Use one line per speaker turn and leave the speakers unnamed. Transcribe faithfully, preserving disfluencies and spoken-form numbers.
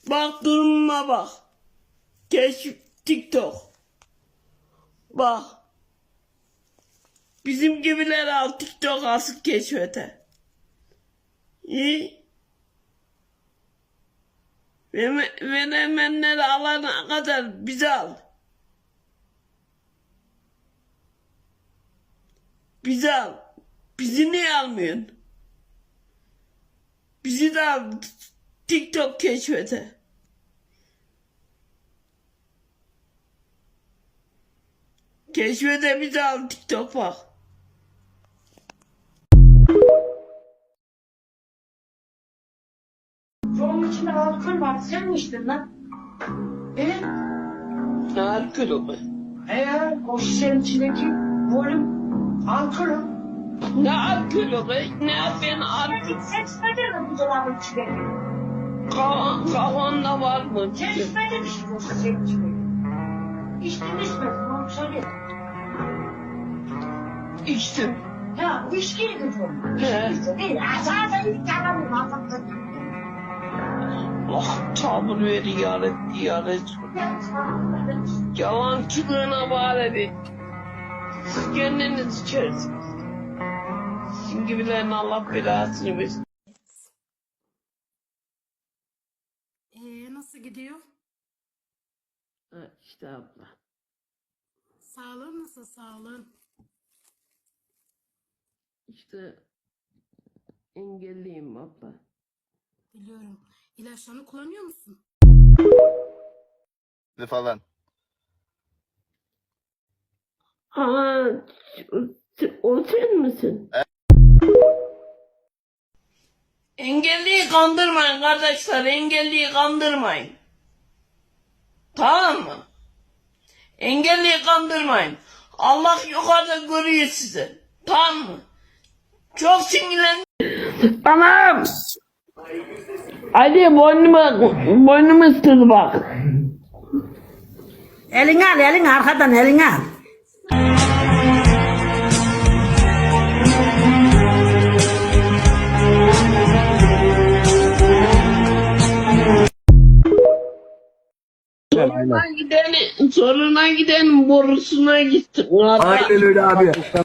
Bak durumuma bak. Keşif TikTok. Bak. Bizim gibiler al TikTok asık keşfete. İyi. Veremenleri alana kadar bizi al. Bizi al. Bizi niye almıyorsun? Bizi de al TikTok keşfete. Keşfete bizi al TikTok bak.
Onun içinde alkol var. Sen mi içtin lan? Evet.
Ne alkolü mü?
Eğer o şişenin içindeki volüm alkolü.
Ne alkolü mü? Ne ben alkol?
Sen içmedin mi bu dolabın içinde?
Kafan, kafanda var mı?
Sen içmedin mi şimdi o şişenin içinde? İçtin içmedin onu söyle.
İçtim.
Ya bu içkiyle götürüyorum.
He.
İçti değil. Ha zaten ilk tamamım anlattın.
Allah tabur ver ihanet ihanet. Yalancılığına bari bir. Siz kendiniz içersiniz. Sizin gibilerin Allah belasını versin.
Ee, nasıl gidiyor?
Ha, işte abla.
Sağlığın nasıl sağlığın?
İşte engelliyim abla.
Biliyorum. İlaçlarını kullanıyor musun?
falan.
Aa, o sen misin? Engelliyi kandırmayın kardeşler, engelliyi kandırmayın. Tamam mı? Engelliyi kandırmayın. Allah yukarıda görüyor sizi. Tamam mı? Çok sinirlendim. Anam! Ali boynuma, boynumu ısırdı bak.
Elini al, elini arkadan elini al.
Soruna giden, soruna giden borusuna gittim.
Aynen öyle abi.